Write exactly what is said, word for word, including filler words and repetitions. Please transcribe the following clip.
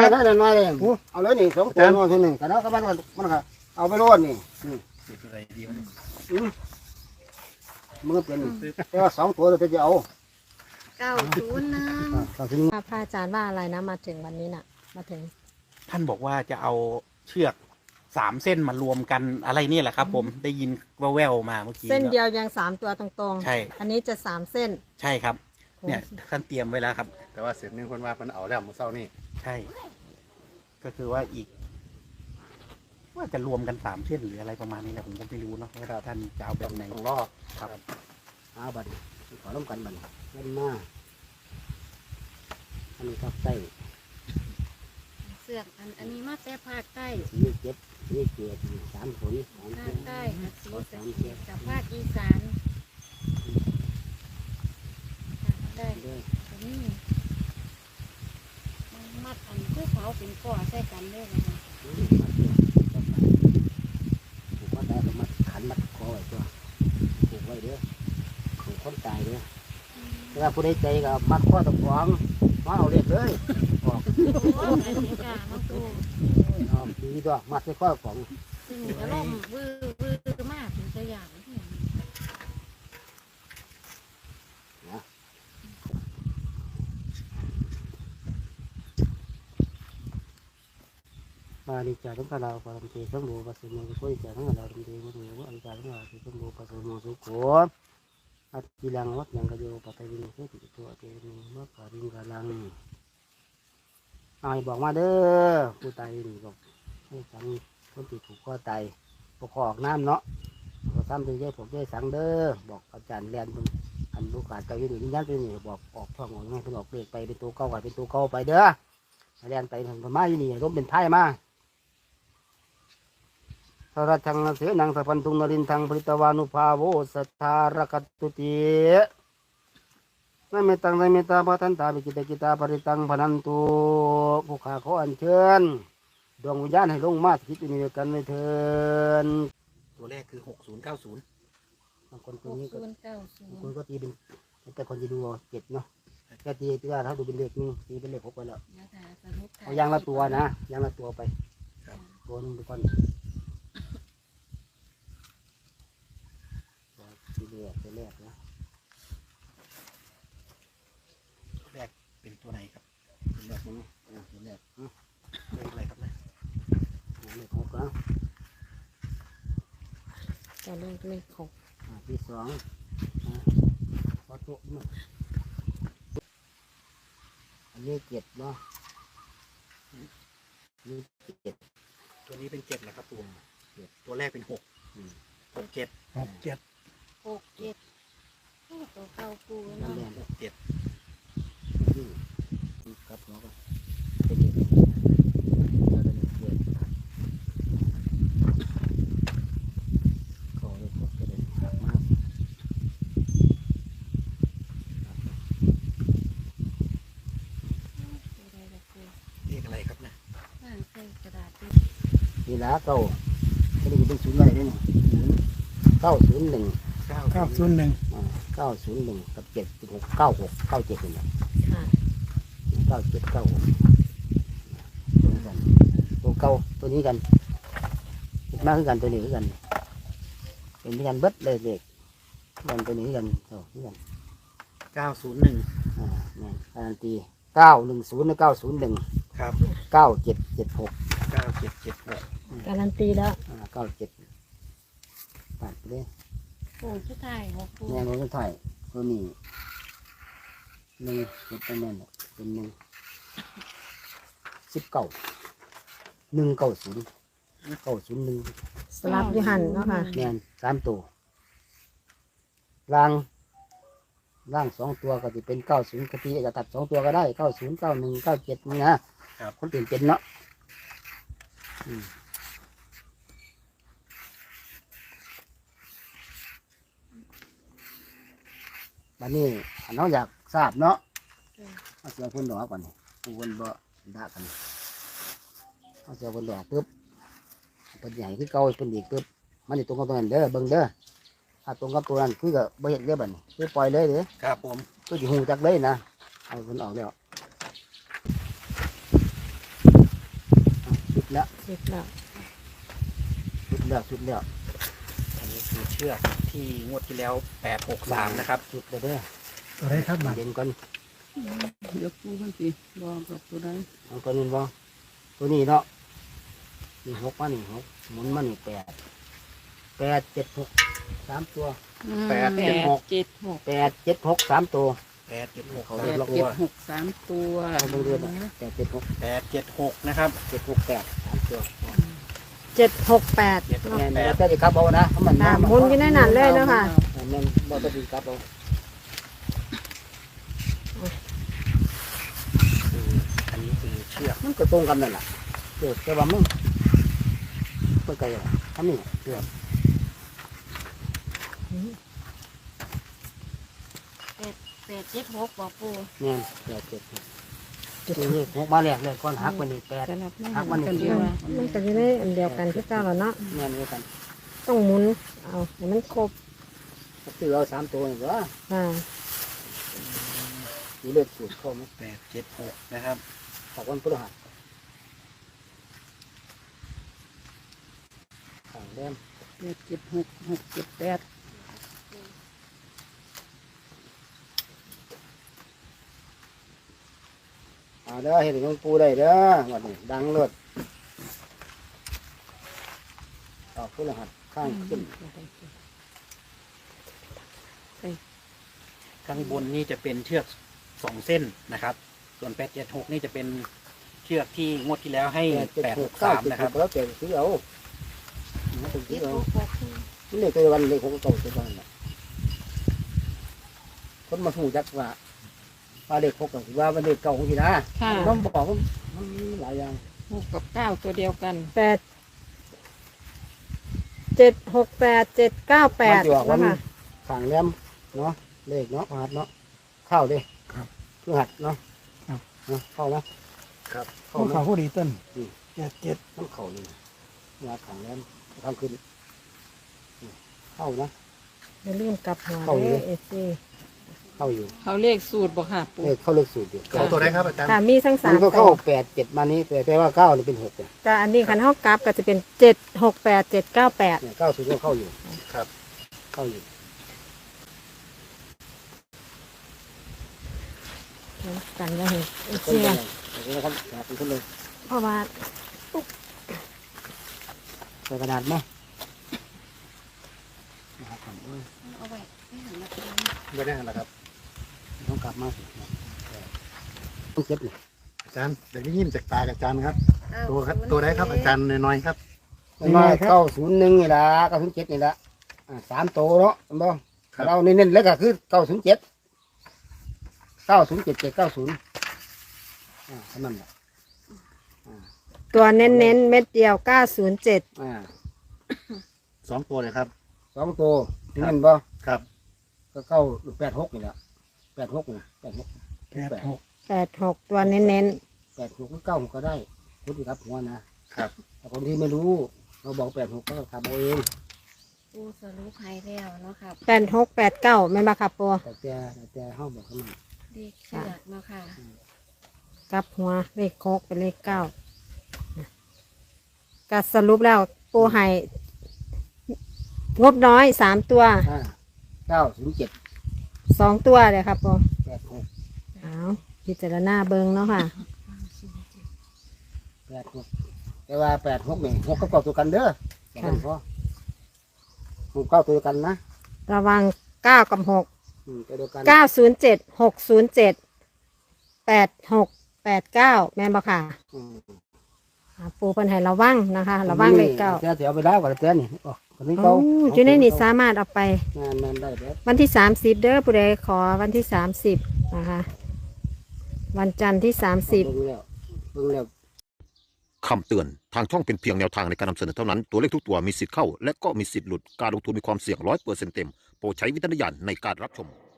ได้เลยน้อยเลยเอาเลยนี่สองตัวน้อยทีหนึ่งแต่แล้วก็มันมันก็เอาไปรวดนี่อะไรดีมันมือเป็นแต่ว่าสองตัวเราจะเอาเก้าศูนย์หนึ่งพระอาจารย์ว่าอะไรนะมาถึงวันนี้น่ะมาถึงท่านบอกว่าจะเอาเชือกสามเส้นมารวมกันอะไรนี่แหละครับ ผมได้ยินแว่วๆมาเมื่อกี้เส้นเดียวยังสามตัวตรงๆใช่อันนี้จะสามเส้นใช่ครับเนี่ยท่านเตรียมไว้แล้วครับแต่ว่าเสร็จนึงคนว่ามันเอาแล้วมือเศร้านี่ใช่ก็คือว่าอีกว่าจะรวมกันสามเส้นหรืออะไรประมาณนี้แหละผมก็ไม่รู้เนาะว่าท่านจะเอาแบบไหนต้องรอครับหาบัตรขอร่วมกันบัตรเล่นมาอันนี้ก็ใส่เสือกอันอันนี้มาแต่ภาคใต้สีเจ็ดสีเจ็ดสามผลสามภาคใต้สีสามเจ็ดกับภาคอีสาน ได้อันนี้มัดอันคือเขาเป็นก้อใส่กันเลยนะคะผูกว่าได้ก็มัดขันมัดคอไว้ตัวผูกไว้เด้อผูกคนตายเด้อถ้าผู้ใดใจก็มัดข้อตะขวางมาเอาเรียบเลยออกโอ้อันนี้กามาตูอ๋อดีด้วยมัดใส่ข้อของซึ่งจะล่มวื้อวื้อมากถึงจะอย่างมาดีใจทั้งเราปรมเททั้งโลปัสสุโมสุโขดีใจทั้งเราปรมเทมุโมอดีใจทั้งเราทั้งโลปัสสุโมสุโขอัตติลังวัดยังกระโยปัตตวินุเสติตัวเตมิมัคคาริงกาลังเอาให้บอกมาเด้อผู้ตายนี่บอกให้สังคนติดถูกข้อตายปกครองน้ำเนาะก็ซ้ำเป็นใจผมใจสังเด้อบอกอาจารย์เรียนอันลูกขาดใจอยู่นี่ยันเป็นนี่บอกออกท่องออกง่ายเป็นออกเปลกไปเป็นตัวเก่าเป็นตัวเก่าไปเด้อเรียนไปถึงพม่าอยู่นี่ร่มเป็นไพ่มาสรัชังเสนังสัพพันธุนรินทังปริตวานุภาโวสัทธารกัตตุตินเมตังนเมตาปทันตาปิกิตกิตาปริตังพนันตุผู้ขาขออัญเชิญดวงวิญญาณให้ลงมาคิดอยู่ในกันในเถินตัวแรกคือหกศูนย์เก้าศูนย์บางคนตัวนี้ก็คนก็ตีเป็นแต่คนจะดูเจ็ดเนาะแค่ตีตีว่าถ้าดูเป็นเลขนึงตีเป็นเลขหกไปแล้วเอายางละตัวนะยางละตัวไปตัวนึงไปก่อนทีแรกทีแรกนะแรกเป็นตัวไหนครับทีแรกนี่ทีแรกเลขอะไรครับเนี่ยเลขหกแล้วจะเลขเลขหกที่สองพอโต๊ะมาอันนี้เจ็ดเนาะนี่เจ็ดตัวนี้เป็นเจ็ดแหละครับตัวตัวแรกเป็นหกหกเจ็ดหกเจ็ดหกเจ็ดตัวเก้าปูนั่นเนาะแหละหกเจ็ดครับเนาะก็เป็นเด็กเราเป็นเด็กขอเลยครับเป็นหักมากเลขอะไรครับเนี่ยอ่านใส่กระดาษดินี่ละเก้าไม่ได้เป็นศูนย์อะไรด้วยนี่เก้าศูนย์หนึ่งเก้าศูนย์หนึ่งเก้าศูนย์หนึ่งกับเจ็ดหกเก้าหกเก้าเจ็ดนี่แหละเก้าเจ็ดเก้าหกตัวเก้าตัวนี้กันมากขึ้นกันตัวนี้ขึ้นกันเป็นที่กันเบิดเลยเด็กกันตัวนี้กันโอ้ที่กันเก้าศูนย์หนึ่งอ่าเนี่ยการันตีเก้าหนึ่งศูนย์และเก้าศูนย์หนึ่งครับเก้าเจ็ดเจ็ดหกเก้าเจ็ดเจ็ดหกการันตีแล้วเก้าเจ็ดตัดไปเลยโอ้ชุดไทยหกปูแม่เราจะถ่ายตัวนี้หนึ่งเป็นแม่เป็นหนึ่งสิบเก้าหนึ่งเก้าศูนย์เก้าศูนย์หนึ่งสลับยูหันเนาะค่ะแม่สามตัวล่างล่างสองตัวก็จะเป็นเก้าศูนย์กะทิจะตัดสองตัวก็ได้เก้าศูนย์เก้าหนึ่งเก้าเจ็ดนี่นะคนตื่นเต้นเนาะบัดนี้น้องอยากทราบเนาะเอาเสียคนดอกก่อนผู้คนบ่ด่ากันเอาเสียคนดอกปุ๊บเป็นใหญ่คือเก่าเป็นเด็กปุ๊บมันจะตรงกับตัวนั้นเด้อเบิ่งเด้อถ้าตรงกับตัวนั้นคือก็บ่เห็นเด้อบัดนี้คือปล่อยเลยเด้อครับผมก็จะหูจักเลยนะเอาคนออกแล้วสิบแล้วชุดแล้วชุดแล้วอันนี้คือเชือกที่งวดที่แล้วแปดหกสามนะครับชุดแล้วเด้อตัวไหนครับมันเย็นก่อนเดี๋ยวปูมันสิบอกกับตัวใดเอาตัวนี้บ่ตัวนี้เนาะนี่หกมานี่หกหมุนมานี่แปดแปดเจ็ดหกสามตัวแปดแปเจ็ดดหกเจ็ดหกแปดเจ็ดหกสามตัวแปดเจ็ดหกเขาแปเรียดกเจ็ดหกสามตัวเอาเบิ่งเดือนน่ะแปดเจ็ดหกแปดเจ็ดหกนะครับเจ็ดหกแปดสามตัวเจ็ดหกแปดเจ็ดหกแม่นแปดแต่จะครับเอานะเพราะมันค่ะหมุนอยู่ในนั้นเลยเนาะค่ะแม่นบ่ต้องดีครับเอาคืออันนี้คือเชือกมันก็ตรงกันนั่นแหละเกิดแต่ว่ามึงเมื่อไกลอ่ะทำนี่เกิดแปดแปดเจ็ดหกบอกปูแม่นแปดเจ็ดหกนี่หกมาแรกเลยก้อนหักมันนี่แปดจะรับไม่หักมันนี่กันเดีเดียยว วมันก็อยู่ในอันเดียวกันที่เจ้าแล้วเนาะแม่นด้วยกันต้องหมุนเอาให้มันครบซื้อเอาสามตัวนี่ก็ค่ะมีเลือดสูตรเข้าไหมแปดเจ็ดหกนะครับถักวันพฤหัสขังแดมแปดเจ็ดหกหกเจ็ดแปดอ่าเด้อเห็นหลวงปู่ได้เด้อวันนี้ดังเลือดออกพฤหัสข้างขึ้นข้างบนนี่จะเป็นเชือกสองเส้นนะครับ ส่วนแปดเจ็ดหกนี่จะเป็นเชือกที่งวดที่แล้วให้แปดเจ็ดแปดหหกกเก้าสามเจ็ดนะคหรับกแล้วแต่ซื้อเอามันเป็นซื้เจ็อดเอาหกบอกปูนี่เลขตัววันเลขหกเก้าตัววันน่ะคนมาถูกจักว่าว่าเลขหกกับว่าวันเลขเก้าของที่นะค่ะต้องบอกว่ามันมีหลายอย่างหกกับเก้าตัวเดียวกันแปดเจ็ดหกแปดเจ็ดเก้าแปดมันจะออกวันนะคะฝั่งแรมเนาะเลขเนาะหัดเนาะเข้าดิครับคือหัดเนาะครับเนาะเข้านะครับเข้าผู้นะข่าวผู้ดีต้นอืมเจ็ดเจ็ดต้องเข้านี่หัดฝั่งแรมทำขึ้นอืมเข้านะอย่าลืมกลับหัวเข้าอยู่เลยเอซีเข้าอยู่เขาเลขสูตรบอกค่ะปูเลขเข้าเลขสูตรอยู่เขาตัวไหนครับอาจารย์ค่ะมีทั้งสามัมนก็ตัเข้าว แปดเจ็ดมานี้แต่แปลว่าเก้านี่เป็นหกเนี่ยแต่อันนี้คันเท่ากราฟก็จะเป็นเจ็ดหกแปดเจ็ดเก้าแปดเนี่ยเก้าศูนย์ก็เข้าอยู่ครับเข้าอยู่กันแล้วเห็นเอคนซีเดียวเดี๋ยวนะครับเป็นคนเลยเพราะว่าใส่กระดาษไหมนะครับผมเอ้ยเอาไว้ไม่หันมาปูไม่ได้หรอครับต้องกลับมาสิต้องเก็บเลยอาจารย์เดี๋ยวนี้ยิ้มจากตากับอาจารย์ครับเก้าตัวครับศูนย์ตัวไหนครับอาจารย์น้อยๆครับมันมาเก้าศูนย์หนึ่งนี่ละเก้าศูนย์เจ็ดนี่ละอ่าสามโตเนาะเห็นบ่ครับเราเน้นๆแล้วก็คือเก้าศูนย์เจ็ดเก้าศูนย์เจ็ดเจ็ดเก้าศูนย์อ่าเท่านั้นแหละตัวเน้นเน้นๆเม็ดเดียวเก้าศูนย์เจ็ดอ่าสองตัวเลยครับสองตัวเน้นบ่ครับก็เก้าแปดหกนี่แหละแปดหกนี่แปดหกแปดหกแปดหกตัวเน้นเน้นแปดหกก็เก้าหกก็ได้พูดดีครับหัวนะครับ แต่คนที่ไม่รู้เราบอกแปดหกก็ทำเอาเองปูสรุปให้แล้วเนาะครับแปดหกแปดเก้าไม่นมาขับปัวแต่แต่แต่ห้าบอกเขามาเลขเชือกเนาะค่ะกลับหัวเลขโคกเป็นเลขเก้าก็สรุปแล้วปูให้งบน้อยสามตัวอ่าเก้าศูนย์เจ็ดสองตัวเลยครับปูแปดหกเอาพิจารณาเบิงเนาะค่ะแปดหกแต่ว่าแปดหกนี่หกก็เก้าตัวกันเด้อแต่กันพอหกเก้าตัวกันนะระวังเก้ากับหกอืมตัวเดียวกันเก้าศูนย์เจ็ดหกศูนย์เจ็ดแปดหกแปดเก้าแม่นบ่ค่ะอืมอ่าปูเพิ่นให้ระวังนะคะระวังเลขเก้าแต่เดี๋ยวเอาไปแล้วก่อนแต่นี่ออกคนนี้โอ้เก้าอยู่ในนี่สามารถเอาไปงานมันได้แล้ววันที่สามสิบเด้อผู้ใดขอวันที่สามสิบนะคะ วันจันทร์ที่สามสิบเบิ่งแล้วเบิ่งแล้วคำเตือน ทางช่องเป็นเพียงแนวทางในการนำเสนอเท่านั้น ตัวเลขทุกตัวมีสิทธิ์เข้า และก็มีสิทธิ์หลุด การลงทุนมีความเสี่ยงร้อยเปอร์เซ็นต์เต็ม โปรดใช้วิจารณญาณในการรับชม